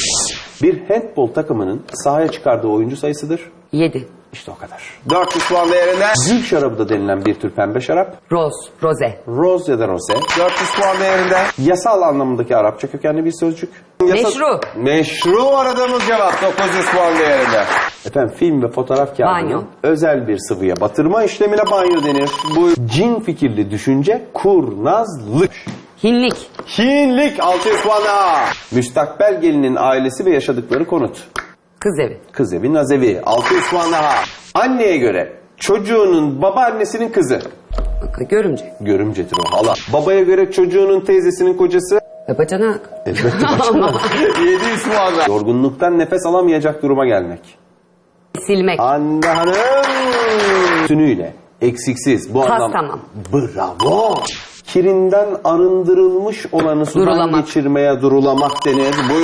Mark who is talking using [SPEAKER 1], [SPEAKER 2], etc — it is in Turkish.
[SPEAKER 1] Bir handbol takımının sahaya çıkardığı oyuncu sayısıdır.
[SPEAKER 2] 7.
[SPEAKER 1] İşte o kadar.
[SPEAKER 3] 400 puan değerinde.
[SPEAKER 1] Gül şarabı da denilen bir tür pembe şarap.
[SPEAKER 2] Roze.
[SPEAKER 1] Rose ya da rose.
[SPEAKER 3] 400 puan değerinde.
[SPEAKER 1] Yasal anlamındaki Arapça kökenli bir sözcük.
[SPEAKER 2] Meşru.
[SPEAKER 3] Meşru aradığımız cevap 900 puan değerinde.
[SPEAKER 1] Efendim film ve fotoğraf kağıdını
[SPEAKER 2] Banyo.
[SPEAKER 1] özel bir sıvıya batırma işlemine banyo denir. Bu cin fikirli düşünce kurnazlık.
[SPEAKER 2] Hinlik.
[SPEAKER 3] Hinlik 600 puan daha.
[SPEAKER 1] Müstakbel gelinin ailesi ve yaşadıkları konut.
[SPEAKER 2] Kız evi.
[SPEAKER 1] Kız evi, naz evi.
[SPEAKER 3] 600 puan daha.
[SPEAKER 1] Anneye göre çocuğunun babaannesinin kızı.
[SPEAKER 2] Görümce.
[SPEAKER 1] Görümcedir o, hala. Babaya göre çocuğunun teyzesinin kocası.
[SPEAKER 2] Bacanak.
[SPEAKER 1] Elbette
[SPEAKER 3] 700 puan daha.
[SPEAKER 1] Yorgunluktan nefes alamayacak duruma gelmek.
[SPEAKER 2] Silmek.
[SPEAKER 1] Hande Hanım. Tünüyle, eksiksiz. Bu
[SPEAKER 2] Kas
[SPEAKER 1] anlam.
[SPEAKER 2] tamam.
[SPEAKER 1] Bravo. Kirinden arındırılmış olanı sudan
[SPEAKER 2] Durulamak.
[SPEAKER 1] geçirmeye durulamak denir. Bu